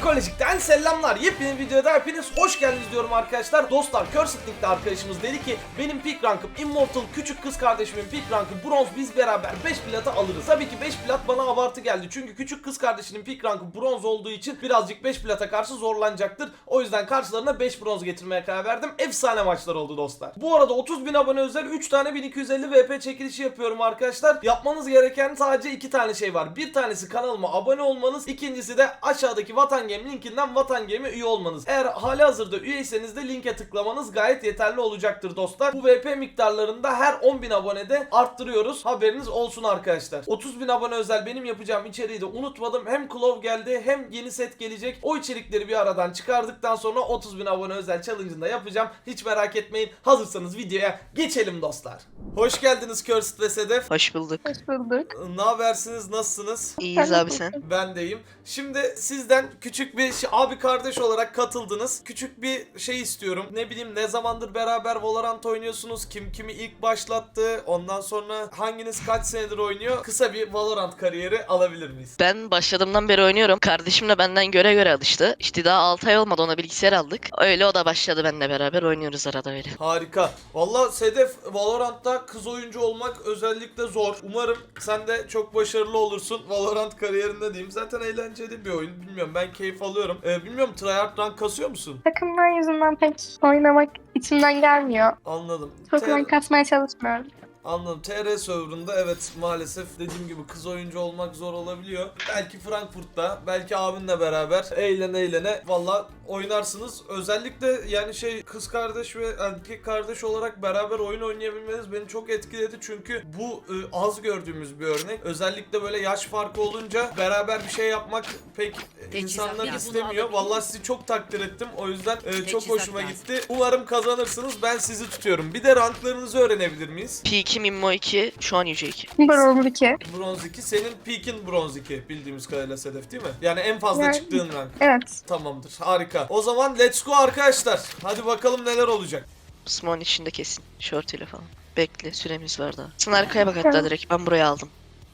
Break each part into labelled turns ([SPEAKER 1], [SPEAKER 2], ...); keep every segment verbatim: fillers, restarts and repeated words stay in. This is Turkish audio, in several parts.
[SPEAKER 1] Psikolojik'ten selamlar. Yepyeni videoda hepiniz hoş geldiniz diyorum arkadaşlar. Dostlar, Cursed Link'te arkadaşımız dedi ki benim peak rankım Immortal, küçük kız kardeşimin peak rankı bronz, biz beraber beş platı alırız. Tabii ki beş plat bana abartı geldi. Çünkü küçük kız kardeşinin peak rankı bronz olduğu için birazcık beş plata karşı zorlanacaktır. O yüzden karşılarına beş bronz getirmeye karar verdim. Efsane maçlar oldu dostlar. Bu arada otuz bin abone özel üç tane bin iki yüz elli V P çekilişi yapıyorum arkadaşlar. Yapmanız gereken sadece iki tane şey var. Bir tanesi kanalıma abone olmanız, ikincisi de aşağıdaki Vatan Game linkinden Vatan Game'e üye olmanız. Eğer halihazırda üyeyseniz de linke tıklamanız gayet yeterli olacaktır dostlar. Bu V P miktarlarını da her on bin abonede arttırıyoruz. Haberiniz olsun arkadaşlar. otuz bin abone özel benim yapacağım içeriği de unutmadım. Hem Claw geldi hem yeni set gelecek. O içerikleri bir aradan çıkardıktan sonra otuz bin abone özel challenge'ını da yapacağım. Hiç merak etmeyin. Hazırsanız videoya geçelim dostlar. Hoş geldiniz Cursed ve Sedef.
[SPEAKER 2] Hoş bulduk.
[SPEAKER 3] Hoş bulduk.
[SPEAKER 1] Ne habersiniz? Nasılsınız?
[SPEAKER 2] İyiyiz abi sen.
[SPEAKER 1] Ben deyim. Şimdi sizden küçük bir şey, abi kardeş olarak katıldınız. Küçük bir şey istiyorum. Ne bileyim, ne zamandır beraber Valorant oynuyorsunuz? Kim kimi ilk başlattı? Ondan sonra hanginiz kaç senedir oynuyor? Kısa bir Valorant kariyeri alabilir miyiz?
[SPEAKER 2] Ben başladığımdan beri oynuyorum. Kardeşim de benden göre göre alıştı. İşte daha altı ay olmadı, ona bilgisayar aldık. Öyle o da başladı, benimle beraber oynuyoruz arada öyle.
[SPEAKER 1] Harika. Valla Sedef, Valorant'ta kız oyuncu olmak özellikle zor. Umarım sen de çok başarılı olursun Valorant kariyerinde diyeyim. Zaten eğlenceli bir oyun. Bilmiyorum, ben keyif alıyorum. Ee, bilmiyorum, tryhard rank kasıyor musun?
[SPEAKER 3] Takımlar yüzünden pek oynamak içimden gelmiyor.
[SPEAKER 1] Anladım.
[SPEAKER 3] Çok
[SPEAKER 1] T-
[SPEAKER 3] rank kasmaya çalışmıyorum.
[SPEAKER 1] Anladım. T R server'ında evet, maalesef dediğim gibi kız oyuncu olmak zor olabiliyor. Belki Frankfurt'ta, belki abinle beraber eğlene eğlene valla oynarsınız. Özellikle yani şey, kız kardeş ve erkek kardeş olarak beraber oyun oynayabilmeniz beni çok etkiledi. Çünkü bu e, az gördüğümüz bir örnek. Özellikle böyle yaş farkı olunca beraber bir şey yapmak pek e, insanlar istemiyor. Valla sizi çok takdir ettim. O yüzden e, çok hoşuma gitti. Umarım kazanırsınız. Ben sizi tutuyorum. Bir de ranklarınızı öğrenebilir miyiz?
[SPEAKER 2] P iki, Mimmo iki, şu an Yüce iki.
[SPEAKER 3] Bronz iki.
[SPEAKER 1] Bronz iki. Senin peak'in bronz iki bildiğimiz kadarıyla Sedef, değil mi? Yani en fazla
[SPEAKER 3] Yani-
[SPEAKER 1] çıktığın rank.
[SPEAKER 3] Evet.
[SPEAKER 1] Tamamdır. Harika. O zaman let's go arkadaşlar. Hadi bakalım neler olacak.
[SPEAKER 2] Smoke'un içinde kesin. Short ile falan. Bekle, süremiz var daha. Sen arkaya bak hatta direkt, ben buraya aldım.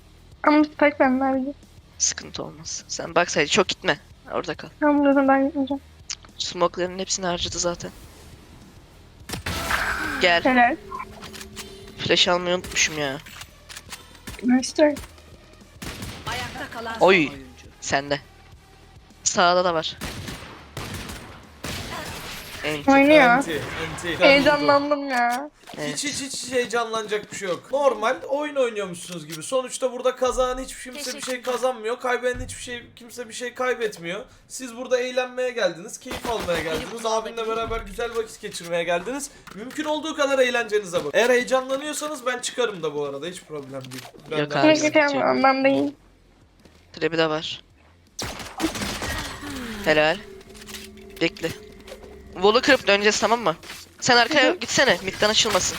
[SPEAKER 3] Ama pek ben verdim.
[SPEAKER 2] Sıkıntı olmaz. Sen bak sadece, çok gitme. Orada kal.
[SPEAKER 3] Tamam, buradan ben gitmeyeceğim.
[SPEAKER 2] Smoke'ların hepsini harcadı zaten. Gel.
[SPEAKER 3] Helal.
[SPEAKER 2] Flash almayı unutmuşum ya.
[SPEAKER 3] Nice.
[SPEAKER 4] Ayakta kalan
[SPEAKER 2] Oy.
[SPEAKER 4] son oyuncu.
[SPEAKER 2] Sende. Sağda da var. En
[SPEAKER 3] Oynuyor.
[SPEAKER 1] Anti. Anti.
[SPEAKER 3] Heyecanlandım ya.
[SPEAKER 2] Evet.
[SPEAKER 1] Hiç hiç hiç heyecanlanacak bir şey yok. Normal oyun oynuyormuşsunuz gibi. Sonuçta burada kazanan hiç kimse bir şey kazanmıyor. Kaybeden hiçbir şey, kimse bir şey kaybetmiyor. Siz burada eğlenmeye geldiniz, keyif almaya geldiniz. Abinle beraber güzel vakit geçirmeye geldiniz. Mümkün olduğu kadar eğlencenize bakın. Eğer heyecanlanıyorsanız ben çıkarım da bu arada, hiç problem değil. Ben
[SPEAKER 2] Yok
[SPEAKER 1] de-
[SPEAKER 2] abi.
[SPEAKER 3] Keşke yapmam, ondan değil.
[SPEAKER 2] Trebi de var. Helal. Bekle. Wall'u kırıp döneceğiz, tamam mı? Sen arkaya gitsene, midden açılmasın.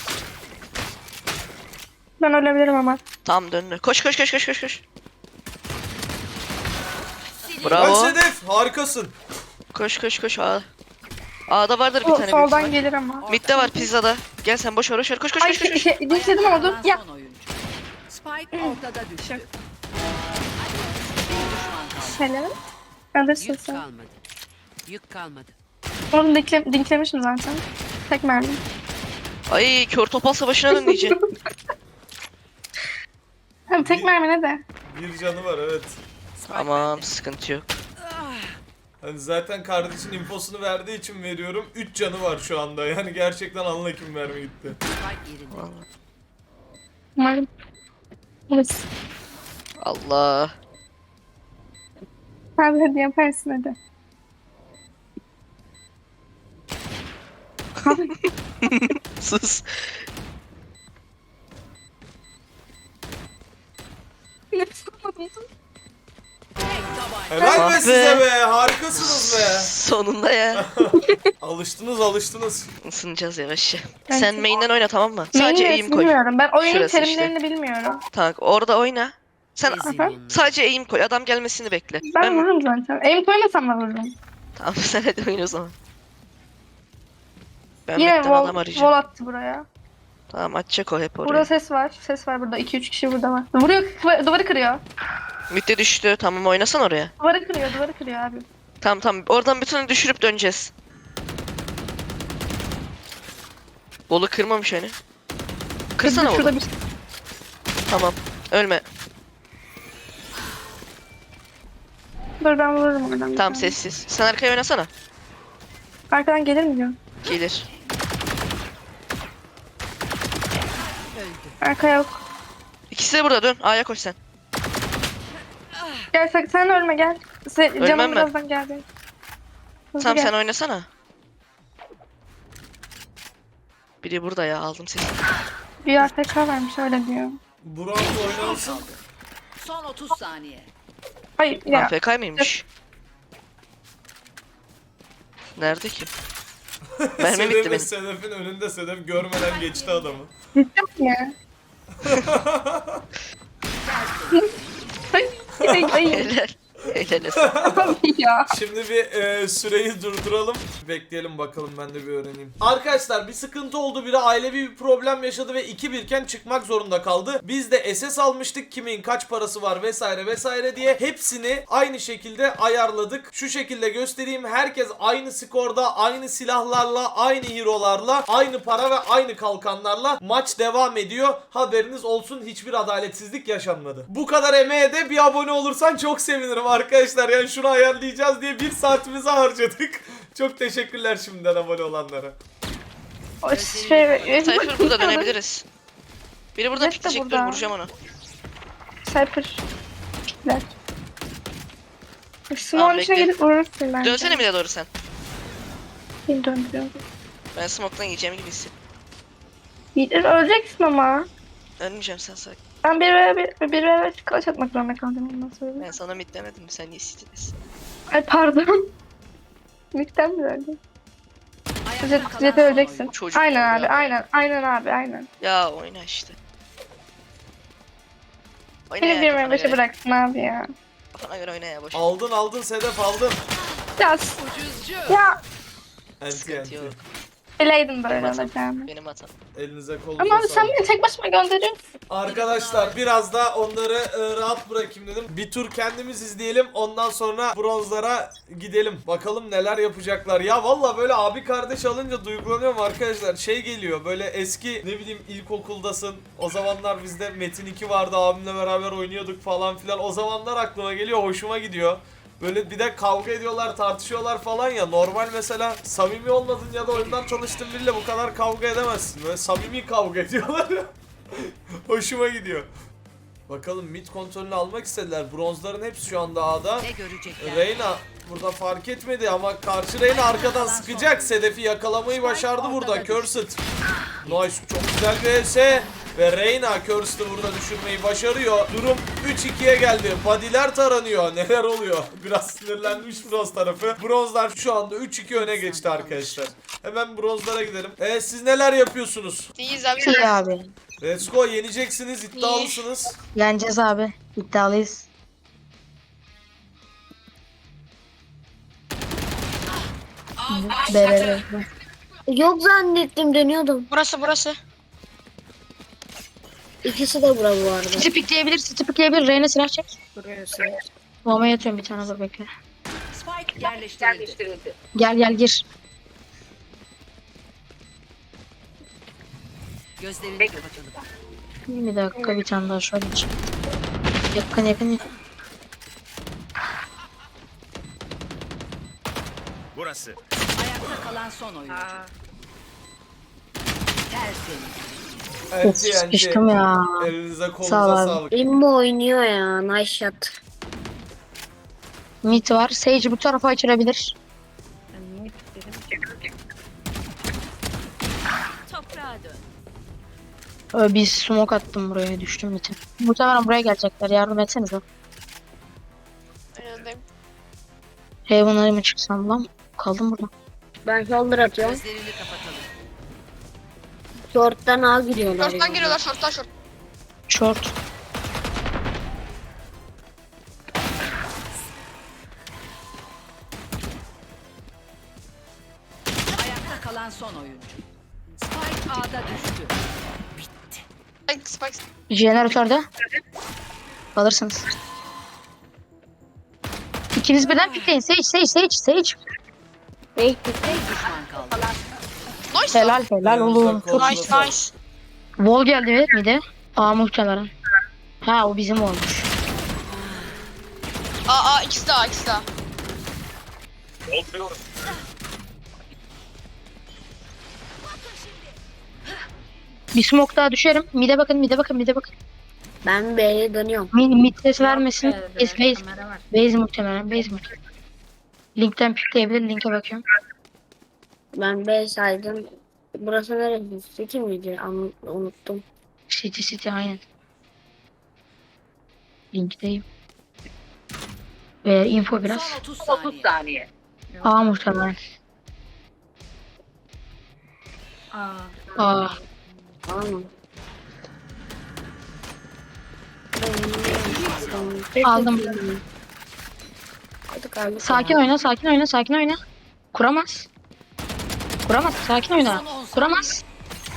[SPEAKER 3] Ben ölebilirim ama.
[SPEAKER 2] Tamam, döndü. Koş koş koş koş koş koş.
[SPEAKER 1] Ben
[SPEAKER 2] Bravo.
[SPEAKER 1] Sedef, harikasın.
[SPEAKER 2] Koş koş koş. A. A'da vardır bir
[SPEAKER 3] O
[SPEAKER 2] tane büyük
[SPEAKER 3] soldan
[SPEAKER 2] ihtimal.
[SPEAKER 3] gelir ama.
[SPEAKER 2] Mid'de var, pizzada. Gel sen, boş ver boş ver. Koş koş
[SPEAKER 3] Ay
[SPEAKER 2] koş koş. koş.
[SPEAKER 3] şey, dinledim oldu.
[SPEAKER 4] Kalan
[SPEAKER 3] Ya.
[SPEAKER 4] son oyuncu. Spike ortada düştü. Bir düşman kaldı.
[SPEAKER 3] Helal. Alırsın
[SPEAKER 4] Yük
[SPEAKER 3] sen.
[SPEAKER 4] kalmadı. Yük kalmadı.
[SPEAKER 3] Onu dinkle, dinklemişim zaten. Tek mermi.
[SPEAKER 2] Ay, kör topal savaşına dön diyeceğim.
[SPEAKER 3] Hem tek mermi ne de.
[SPEAKER 1] Bir canı var, evet.
[SPEAKER 4] Spike
[SPEAKER 2] Tamam,
[SPEAKER 4] bende.
[SPEAKER 2] sıkıntı yok.
[SPEAKER 1] Hani zaten kardeşin infosunu verdiği için veriyorum. üç canı var şu anda. Yani gerçekten anla kim mermi gitti.
[SPEAKER 4] Spike yerinde.
[SPEAKER 2] Vallahi.
[SPEAKER 3] Umarım. Evet.
[SPEAKER 2] Allah.
[SPEAKER 3] Hadi hadi yaparsın hadi. Abi
[SPEAKER 2] Sus.
[SPEAKER 3] nefes alamadım.
[SPEAKER 4] Tek tabanca.
[SPEAKER 1] Helal
[SPEAKER 2] Ah
[SPEAKER 1] be
[SPEAKER 2] be.
[SPEAKER 1] size be. Harikasınız be.
[SPEAKER 2] Sonunda ya.
[SPEAKER 1] Alıştınız alıştınız.
[SPEAKER 2] Isınacağız yavaş.
[SPEAKER 3] Evet.
[SPEAKER 2] Sen main'den oyna, tamam mı?
[SPEAKER 3] Neyin
[SPEAKER 2] Sadece
[SPEAKER 3] neresi
[SPEAKER 2] aim koy.
[SPEAKER 3] bilmiyorum. Ben oyunun
[SPEAKER 2] Şurası
[SPEAKER 3] terimlerini bilmiyorum.
[SPEAKER 2] Tamam, orada oyna. Sen
[SPEAKER 4] Ezin
[SPEAKER 3] Aha.
[SPEAKER 4] onları.
[SPEAKER 2] sadece aim koy. Adam gelmesini bekle.
[SPEAKER 3] Ben,
[SPEAKER 2] Ben-
[SPEAKER 3] vururum zaten. Aim koymasam da vururum.
[SPEAKER 2] Tamam, sen hadi oyna o zaman. Ben
[SPEAKER 3] Yine
[SPEAKER 2] midden
[SPEAKER 3] wall,
[SPEAKER 2] adam arayacağım.
[SPEAKER 3] wall attı buraya.
[SPEAKER 2] Tamam, açacak o hep oraya.
[SPEAKER 3] Burada ses var. Ses var burada. iki üç kişi burada var. Vuruyor. kı- Duvarı kırıyor.
[SPEAKER 2] Midde düştü. Tamam, oynasan oraya.
[SPEAKER 3] Duvarı kırıyor. Duvarı kırıyor abi.
[SPEAKER 2] Tamam tamam. Oradan bütünü düşürüp döneceğiz. Bolu kırmamış hani. Kırsana
[SPEAKER 3] Şurada
[SPEAKER 2] Bolu.
[SPEAKER 3] bir
[SPEAKER 2] Tamam. Ölme.
[SPEAKER 3] Dur ben vururum oradan. bir
[SPEAKER 2] Tamam
[SPEAKER 3] tane.
[SPEAKER 2] sessiz. Sen arkaya oynasana.
[SPEAKER 3] Arkadan gelir mi diyor?
[SPEAKER 2] Gelir.
[SPEAKER 4] Öldü.
[SPEAKER 3] Arka yok.
[SPEAKER 2] İkisi de burada, dön. A'ya koş sen.
[SPEAKER 3] Gel sen, sen ölme gel. Sen,
[SPEAKER 2] Ölmem
[SPEAKER 3] canım
[SPEAKER 2] ben.
[SPEAKER 3] birazdan geldi. Hızlı
[SPEAKER 2] Tamam
[SPEAKER 3] gel.
[SPEAKER 2] sen oynasana. Biri burada ya, aldım seni.
[SPEAKER 3] Bir A F K vermiş öyle diyor.
[SPEAKER 1] Bronz oynansın.
[SPEAKER 4] Son otuz saniye.
[SPEAKER 3] Hayır ya.
[SPEAKER 2] A F K mıymış? Nerede ki? Mermi bitti
[SPEAKER 1] Sedef'in,
[SPEAKER 2] benim.
[SPEAKER 1] Sedef'in önünde, Sedef görmeden geçti adamı.
[SPEAKER 3] Ciddi mi? Ay ay ay.
[SPEAKER 2] Helal. Helal olsun.
[SPEAKER 3] Abi ya.
[SPEAKER 1] Şimdi bir e, süreyi durduralım. Bekleyelim bakalım, ben de bir öğreneyim. Arkadaşlar bir sıkıntı oldu. Biri ailevi bir problem yaşadı ve iki birken çıkmak zorunda kaldı. Biz de S S almıştık. Kimin kaç parası var vesaire vesaire diye. Hepsini aynı şekilde ayarladık. Şu şekilde göstereyim. Herkes aynı skorda, aynı silahlarla, aynı hero'larla, aynı para ve aynı kalkanlarla maç devam ediyor. Haberiniz olsun, hiçbir adaletsizlik yaşanmadı. Bu kadar emeğe de bir abone olursan çok sevinirim arkadaşlar. Yani şunu ayarlayacağız diye bir saatimizi harcadık. Çok teşekkürler şimdiden abone olanlara.
[SPEAKER 3] O şey.
[SPEAKER 2] Cypher burada, dönebiliriz. Biri burada
[SPEAKER 3] Evet de
[SPEAKER 2] pikleyecek, dur
[SPEAKER 3] burada.
[SPEAKER 2] vuracağım onu.
[SPEAKER 3] Cypher. Pikler.
[SPEAKER 2] Tamam,
[SPEAKER 3] Simon içine
[SPEAKER 2] bekle.
[SPEAKER 3] gidip vurursun bence.
[SPEAKER 2] Dönsene bir de doğru sen.
[SPEAKER 3] Kim döndürüyor?
[SPEAKER 2] Ben smoke'tan yiyeceğim gibi hissediyorum.
[SPEAKER 3] Yiğit öleceksin ama.
[SPEAKER 2] Ölmeyeceğim, sen sakin.
[SPEAKER 3] Ben bir ve bir, bir ve bir kılıç atmak zorunda kaldım ondan sonra.
[SPEAKER 2] Ben sana mid demedim mi? Sen niye sitilisin?
[SPEAKER 3] Ay pardon. Mikten mi öldün?
[SPEAKER 4] Ayakta
[SPEAKER 3] Jet,
[SPEAKER 4] kalan
[SPEAKER 3] Jet
[SPEAKER 4] son
[SPEAKER 3] öleceksin.
[SPEAKER 4] oyuncu.
[SPEAKER 2] Çocuk
[SPEAKER 3] Aynen abi,
[SPEAKER 2] ya.
[SPEAKER 3] aynen, aynen abi, aynen.
[SPEAKER 2] Ya oyna işte. Oyna
[SPEAKER 3] Beni
[SPEAKER 2] ya,
[SPEAKER 3] bir
[SPEAKER 2] kafana
[SPEAKER 3] ve beşe
[SPEAKER 2] göre.
[SPEAKER 3] bıraksın abi ya.
[SPEAKER 2] Kafana göre oyna ya, boş.
[SPEAKER 1] Aldın aldın Sedef, aldın.
[SPEAKER 3] Ya,
[SPEAKER 4] Ucuzcu.
[SPEAKER 3] ya.
[SPEAKER 1] Enti
[SPEAKER 2] Sıkıntı
[SPEAKER 1] enti.
[SPEAKER 2] yok.
[SPEAKER 3] Bileydim böyle
[SPEAKER 2] Benim hatam.
[SPEAKER 3] olacağını.
[SPEAKER 2] Benim hatam.
[SPEAKER 1] Elinize kolunuza
[SPEAKER 3] Ama abi sen
[SPEAKER 1] sağlık.
[SPEAKER 3] beni tek başıma gönderiyorsun.
[SPEAKER 1] Arkadaşlar biraz da onları e, rahat bırakayım dedim. Bir tur kendimiz izleyelim. Ondan sonra bronzlara gidelim. Bakalım neler yapacaklar. Ya valla böyle abi kardeş alınca duygulanıyorum arkadaşlar. Şey geliyor böyle eski, ne bileyim, ilkokuldasın. O zamanlar bizde Metin iki vardı. Abimle beraber oynuyorduk falan filan. O zamanlar aklıma geliyor. Hoşuma gidiyor. Böyle bir de kavga ediyorlar, tartışıyorlar falan ya. Normal mesela samimi olmadın ya da oyundan tanıştığın biriyle bu kadar kavga edemezsin. Böyle samimi kavga ediyorlar ya. Hoşuma gidiyor. Bakalım mid kontrolünü almak istediler. Bronzların hepsi şu anda A'da.
[SPEAKER 4] Ne görecekler?
[SPEAKER 1] Reyna burada fark etmedi ama karşı Reyna arkadan sıkacak. Sedef'i yakalamayı başardı burada. Cursed. Nice, çok güzel bir E S. Ve Reyna Cursed'ı burada düşürmeyi başarıyor. Durum üç ikiye geldi. Body'ler taranıyor. Neler oluyor? Biraz sinirlenmiş bronz tarafı. Bronzlar şu anda üç iki öne geçti arkadaşlar. Hemen bronzlara gidelim. E, siz neler yapıyorsunuz?
[SPEAKER 2] İyiyiz abi.
[SPEAKER 5] İyi abi.
[SPEAKER 1] Let's go, yeneceksiniz, iddialısınız.
[SPEAKER 5] Yeneceğiz abi. İddialıyız. Berere.
[SPEAKER 6] Yok zannettim, dönüyordum.
[SPEAKER 5] Burası burası.
[SPEAKER 6] İkisi de bura bu arada.
[SPEAKER 5] City pikleyebilir, City pikleyebilir. Reyna silah çek.
[SPEAKER 6] Burası.
[SPEAKER 5] Bomba yatıyorum bir tane, dur bekle.
[SPEAKER 4] Spike yerleştirildi.
[SPEAKER 5] Gel gel gir.
[SPEAKER 4] Gözlerini kapatalım.
[SPEAKER 5] Bir dakika, bir tane daha şöyle çek. Yakın yakın.
[SPEAKER 7] Burası.
[SPEAKER 4] Ayakta kalan son oyuncu. Tertemiz.
[SPEAKER 5] Of,
[SPEAKER 1] Enti, enti.
[SPEAKER 5] sıkıştım ya.
[SPEAKER 1] Elinize
[SPEAKER 5] Sağ ol
[SPEAKER 1] kolunuza
[SPEAKER 5] abi.
[SPEAKER 1] sağlık.
[SPEAKER 6] Limbo oynuyor ya. Nice shot.
[SPEAKER 5] Mid var. Sage bu tarafa açılabilir.
[SPEAKER 4] Toprağa dön.
[SPEAKER 5] Ee, bir smoke attım buraya, düştüm mid'e. Muhtemelen buraya gelecekler. Yardım etsenize. Heaven'a mı çıksam lan? Kaldım burada.
[SPEAKER 6] Ben shoulder atıyorum.
[SPEAKER 4] Gözlerini kapatalım.
[SPEAKER 6] Short'tan A giriyorlar.
[SPEAKER 8] Short'tan
[SPEAKER 6] ya.
[SPEAKER 8] giriyorlar, short'tan short.
[SPEAKER 5] Short.
[SPEAKER 4] Ayakta kalan son oyuncu. Spike A'da düştü.
[SPEAKER 8] Spike, spike.
[SPEAKER 5] Jeneratörde. Alırsınız. İkiniz birden pikleyin. Sage, Sage, Sage, Sage.
[SPEAKER 6] Hey,
[SPEAKER 4] Bir düşman kaldı.
[SPEAKER 8] Nice.
[SPEAKER 5] Helal helal oğlum. Çok
[SPEAKER 1] Kolumuza
[SPEAKER 8] Nice
[SPEAKER 1] sağlık.
[SPEAKER 8] nice.
[SPEAKER 5] Wall geldi mi de? Aa muhtemelen. Ha o bizim olmuş.
[SPEAKER 8] Aa aa ikisi daha ikisi daha.
[SPEAKER 5] Bir smoke daha düşerim. Mide bakın, mide bakın, mide bakın.
[SPEAKER 6] ben B'ye dönüyorum.
[SPEAKER 5] Mid, mid ses vermesin.
[SPEAKER 6] B'de
[SPEAKER 5] Base, base,
[SPEAKER 6] kamera var.
[SPEAKER 5] base muhtemelen, base muhtemelen. Linkten pikleyebilir, linke bakıyorum.
[SPEAKER 6] Ben B saydım. Burası neresi? City miydi? An unuttum.
[SPEAKER 5] City city aynen. Linkteyim. Ee, info biraz.
[SPEAKER 4] Son otuz saniye.
[SPEAKER 5] A muhtemelen. Aa.
[SPEAKER 6] Tamam.
[SPEAKER 5] Aldım.
[SPEAKER 6] Hadi kaldı.
[SPEAKER 5] Sakin oyna, sakin oyna, sakin oyna. Kuramaz. Kuramaz, sakin oyna. Kuramaz.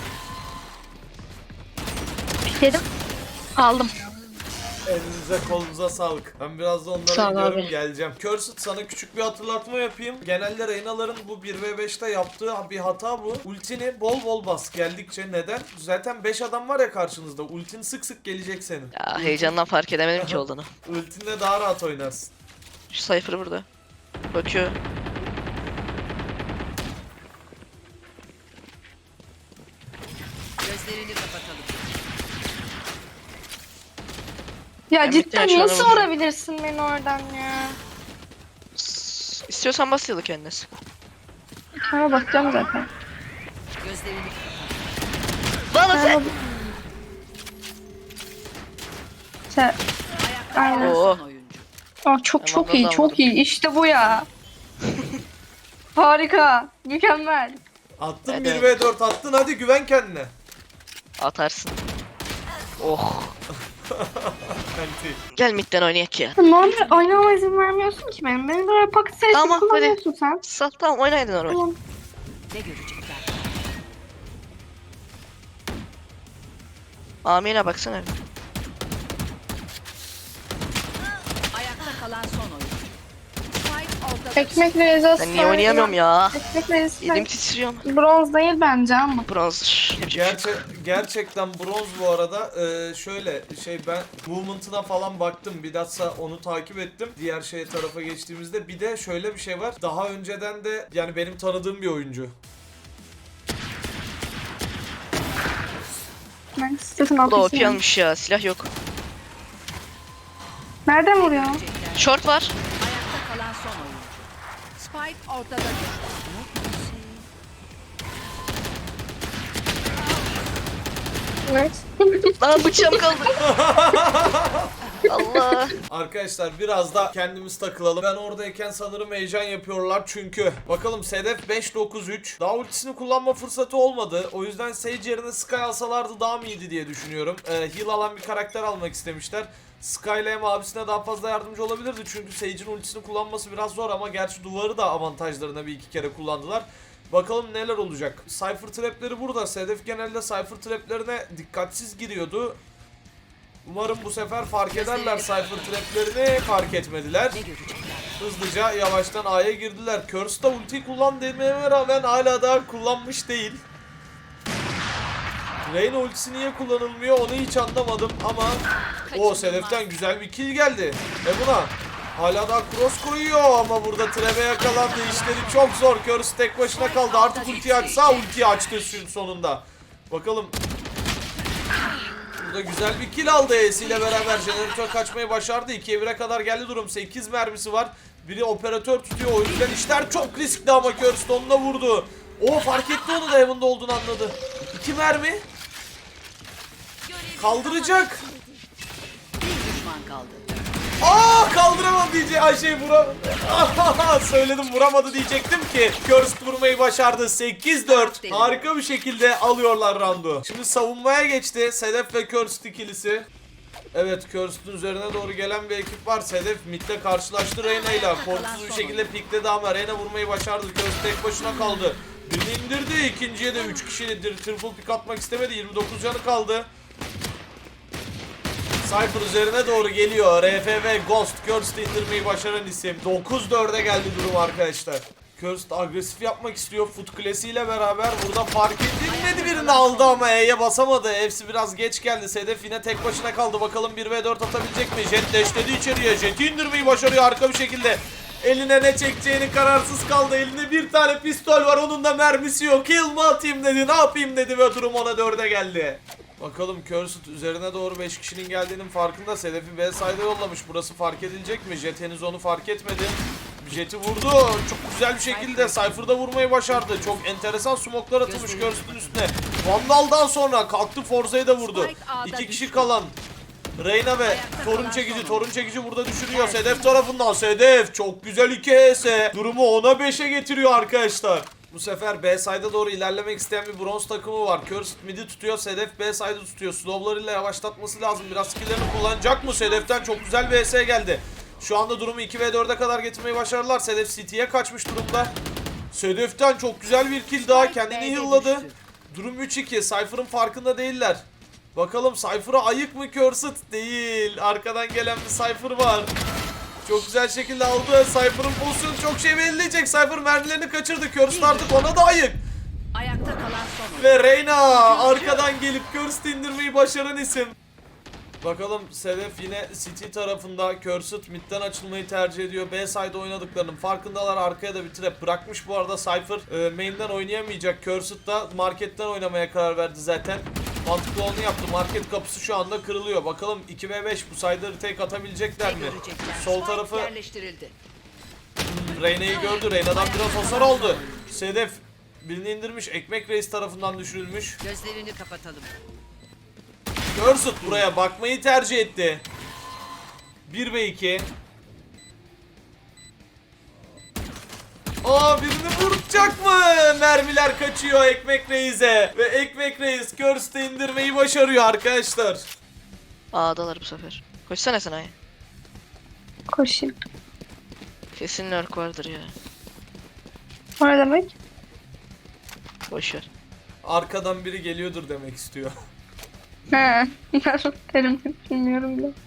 [SPEAKER 5] Pikledim. Aldım.
[SPEAKER 1] Elinize kolunuza sağlık. Ben biraz da onlara
[SPEAKER 5] Sağ ol
[SPEAKER 1] gidiyorum,
[SPEAKER 5] abi.
[SPEAKER 1] geleceğim. Cursed, sana küçük bir hatırlatma yapayım. Genelde Reyna'ların bu bir ve beşte yaptığı bir hata bu. Ultini bol bol bas geldikçe. Neden? Zaten beş adam var ya karşınızda. Ultin sık sık gelecek senin.
[SPEAKER 2] Ya heyecandan fark edemedim ki olduğunu.
[SPEAKER 1] Ultinle daha rahat oynarsın.
[SPEAKER 2] Şu Cypher burada. Bakıyor.
[SPEAKER 4] Gözlerini kapatalım.
[SPEAKER 3] Ya
[SPEAKER 2] Ben
[SPEAKER 3] cidden
[SPEAKER 2] bitti,
[SPEAKER 3] nasıl
[SPEAKER 2] açıklama
[SPEAKER 3] vurabilirsin beni oradan ya?
[SPEAKER 2] S- İstiyorsan bas yılı kendisi.
[SPEAKER 3] Ama bakacağım zaten.
[SPEAKER 4] Gözlerini
[SPEAKER 2] Bana sen.
[SPEAKER 3] Sen...
[SPEAKER 4] ayakta
[SPEAKER 3] Aynen.
[SPEAKER 4] kalan
[SPEAKER 2] Oo.
[SPEAKER 4] son oyuncu.
[SPEAKER 3] Aa, çok
[SPEAKER 2] Tamam,
[SPEAKER 3] çok iyi,
[SPEAKER 2] ben
[SPEAKER 3] çok
[SPEAKER 2] almadım.
[SPEAKER 3] iyi. İşte bu ya. Harika. Mükemmel.
[SPEAKER 1] Attın
[SPEAKER 2] Evet,
[SPEAKER 1] bir
[SPEAKER 2] evet.
[SPEAKER 1] ve dört attın, hadi güven kendine.
[SPEAKER 2] Atarsın. Oh.
[SPEAKER 1] Anti.
[SPEAKER 2] Gel midden oynayak ya.
[SPEAKER 3] Normal oynamama izin vermiyorsun ki benim. Benim böyle paket sesli
[SPEAKER 2] Tamam,
[SPEAKER 3] kullanıyorsun sen.
[SPEAKER 2] Sal tamam oynaydın normal.
[SPEAKER 3] Tamam.
[SPEAKER 4] Ne görecekler?
[SPEAKER 2] Amine baksana.
[SPEAKER 4] Ayakta kalan son oyuncu. Spike ortada.
[SPEAKER 3] Ekmek rezası.
[SPEAKER 2] Ben niye oynayamıyorum ya?
[SPEAKER 3] Ekmek rezası.
[SPEAKER 2] Elim titriyor.
[SPEAKER 3] Bronz değil bence ama.
[SPEAKER 2] Bronz.
[SPEAKER 1] Gerçek, gerçekten bronz bu arada. Ee, şöyle şey, ben movement'ına falan baktım. Bilhassa onu takip ettim. Diğer şey tarafa geçtiğimizde bir de şöyle bir şey var. Daha önceden de yani benim tanıdığım bir oyuncu.
[SPEAKER 3] Ben istedim
[SPEAKER 2] Bu da O
[SPEAKER 3] atmışım.
[SPEAKER 2] P almış ya. Silah yok.
[SPEAKER 3] Nereden vuruyor?
[SPEAKER 2] Short var.
[SPEAKER 4] Ayakta kalan son oyuncu. Spike ortada düştü.
[SPEAKER 3] Evet.
[SPEAKER 2] Lan bıçağım kaldı. Allah.
[SPEAKER 1] Arkadaşlar biraz da kendimiz takılalım. Ben oradayken sanırım heyecan yapıyorlar çünkü. Bakalım Sedef beş dokuz üç. Daha ultisini kullanma fırsatı olmadı. O yüzden Sage yerine Sky alsalardı daha mı iyiydi diye düşünüyorum. Ee, heal alan bir karakter almak istemişler. Sky ile hem abisine daha fazla yardımcı olabilirdi. Çünkü Sage'in ultisini kullanması biraz zor ama gerçi duvarı da avantajlarına bir iki kere kullandılar. Bakalım neler olacak. Cypher trapleri burada. Sedef genelde Cypher traplerine dikkatsiz giriyordu. Umarım bu sefer fark ederler Cypher traplerini. Fark etmediler.
[SPEAKER 4] Ne görecekler?
[SPEAKER 1] Hızlıca yavaştan A'ya girdiler. Curse da ulti kullan dememe rağmen hala daha kullanmış değil. Reyna ultisi niye kullanılmıyor onu hiç anlamadım ama o Sedef'ten güzel bir kill geldi. E buna hala daha cross koyuyor ama burada trap'e yakalandı. İşleri çok zor. Curse tek başına kaldı. Artık ultiyi açsa ultiyi açtı sonunda. Bakalım. Burada güzel bir kill aldı E'si ile beraber. Jeneratör kaçmayı başardı. ikiye bire kadar geldi durum. sekiz mermisi var. Biri operatör tutuyor. O yüzden işler çok riskli ama Curse onunla vurdu. O fark etti, onu da Heaven'da olduğunu anladı. iki mermi. Kaldıracak.
[SPEAKER 4] Bir düşman kaldı.
[SPEAKER 1] Aa kaldıramadı diyecek. Ay şey vura. Söyledim vuramadı diyecektim ki. Curse vurmayı başardı. sekiz dört. Harika bir şekilde alıyorlar roundu. Şimdi savunmaya geçti Sedef ve Curse ikilisi. Evet, Curse'ün üzerine doğru gelen bir ekip var. Sedef midde karşılaştı Reyna ile. Korkusuz bir şekilde pikledi ama Reyna vurmayı başardı. Curse tek başına kaldı. Birini indirdi. İkinciye de üç kişiyle triple pick atmak istemedi. yirmi dokuz canı kaldı. Cypher üzerine doğru geliyor. R F V Ghost Cursed indirmeyi başaran isim. dokuz dörde geldi durum arkadaşlar. Cursed agresif yapmak istiyor. Foot Classy ile beraber burada fark edilmedi, birini aldı ama E'ye basamadı. Hepsi biraz geç geldi. Sedef yine tek başına kaldı. Bakalım bir ve dört atabilecek mi? Jet dashledi içeriye. Jet'i indirmeyi başarıyor harika bir şekilde. Eline ne çekeceğini kararsız kaldı. Elinde bir tane pistol var. Onun da mermisi yok. Kill mı atayım dedi. Ne yapayım dedi ve durum ona dörde geldi. Bakalım Cursed üzerine doğru beş kişinin geldiğinin farkında. Sedef'i B side'a yollamış. Burası fark edilecek mi? Jet henüz onu fark etmedi. Jet'i vurdu. Çok güzel bir şekilde Cypher'da vurmayı başardı. Çok enteresan smoke'lar atılmış Cursed'ın üstüne. Vandal'dan sonra kalktı Forza'yı da vurdu. İki kişi kalan Reyna ve torun çekici. Torun çekici burada düşürüyor Sedef tarafından. Sedef çok güzel iki H S. Durumu ona beşe getiriyor arkadaşlar. Bu sefer B side'a doğru ilerlemek isteyen bir bronz takımı var. Cursed mid'i tutuyor. Sedef B side'ı tutuyor. Slow'larıyla yavaşlatması lazım. Biraz skill'lerini kullanacak mı? Sedef'ten çok güzel bir H S geldi. Şu anda durumu iki ve dörde kadar getirmeyi başardılar. Sedef City'ye kaçmış durumda. Sedef'ten çok güzel bir kill daha. Kendini heal'ladı. Durum üç iki. Cypher'ın farkında değiller. Bakalım Cypher'a ayık mı Cursed? Değil. Arkadan gelen bir Cypher var. Çok güzel şekilde aldı. Cypher'ın pozisyonu çok şey belirleyecek. Cypher mermilerini kaçırdı. Cursed artık ona da ayık.
[SPEAKER 4] Ayakta kalan son oyuncu.
[SPEAKER 1] Ve Reyna arkadan gelip Cursed indirmeyi başaran isim. Bakalım Sedef yine City tarafında. Cursed midden açılmayı tercih ediyor. B side oynadıklarının farkındalar. Arkaya da bir trap bırakmış bu arada Cypher. E, main'den oynayamayacak. Cursed da marketten oynamaya karar verdi zaten. Mantıklı olanı yaptı. Market kapısı şu anda kırılıyor. Bakalım iki ve beş bu side'ları tek atabilecekler mi? Sol tarafı
[SPEAKER 4] Yerleştirildi.
[SPEAKER 1] hmm, Reyna'yı gördü. Reyna'dan biraz hasar oldu. Sedef birini indirmiş. Ekmek Reis tarafından düşürülmüş.
[SPEAKER 4] Gözlerini kapatalım.
[SPEAKER 1] Cursed buraya bakmayı tercih etti. bir ve iki. Aa, birini vuracak mı? Mermiler kaçıyor Ekmek Reis'e. Ve Ekmek Reis Cursed'ı indirmeyi başarıyor arkadaşlar.
[SPEAKER 2] A'dalar bu sefer. Koşsana sen A'ya.
[SPEAKER 3] Koşayım.
[SPEAKER 2] Kesin lurk vardır ya.
[SPEAKER 3] O ne demek?
[SPEAKER 2] Boşver.
[SPEAKER 1] Arkadan biri geliyordur demek istiyor.
[SPEAKER 3] He. Terim bilmiyorum bile.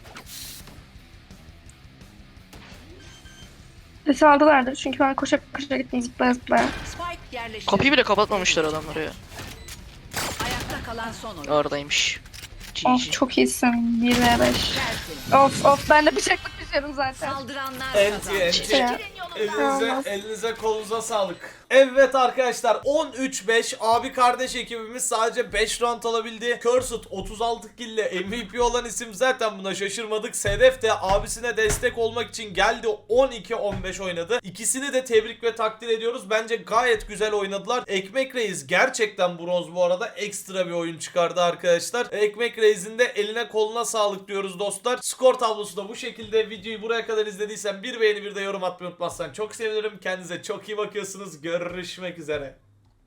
[SPEAKER 3] Sesi aldılardır çünkü ben koşa koşa gittim zıplaya zıplaya.
[SPEAKER 4] Spike yerleştirildi.
[SPEAKER 2] Kapıyı bile kapatmamışlar adamlar ya.
[SPEAKER 4] Ayakta kalan son oyuncu.
[SPEAKER 2] Oradaymış.
[SPEAKER 3] Of
[SPEAKER 2] G G.
[SPEAKER 3] çok iyisin. bir ve beş.
[SPEAKER 4] Tertemiz.
[SPEAKER 3] Of of ben de bıçaklık düşüyorum zaten.
[SPEAKER 4] Saldıranlar
[SPEAKER 1] Enti
[SPEAKER 4] kazandı.
[SPEAKER 1] enti.
[SPEAKER 3] Ya.
[SPEAKER 1] Elinize,
[SPEAKER 3] Olmaz.
[SPEAKER 1] elinize kolunuza sağlık. Evet arkadaşlar on üç beş abi kardeş ekibimiz sadece beş round alabildi. Cursed otuz altı kill ile M V P olan isim, zaten buna şaşırmadık. Sedef de abisine destek olmak için geldi, on iki on beş oynadı. İkisini de tebrik ve takdir ediyoruz. Bence gayet güzel oynadılar. Ekmek Reis gerçekten bronz bu arada. Ekstra bir oyun çıkardı arkadaşlar. Ekmek Reis'in de eline koluna sağlık diyoruz dostlar. Skor tablosu da bu şekilde. Videoyu buraya kadar izlediysen bir beğeni bir de yorum atmayı unutmazsan çok sevinirim. Kendinize çok iyi bakıyorsunuz. Görüşmek üzere.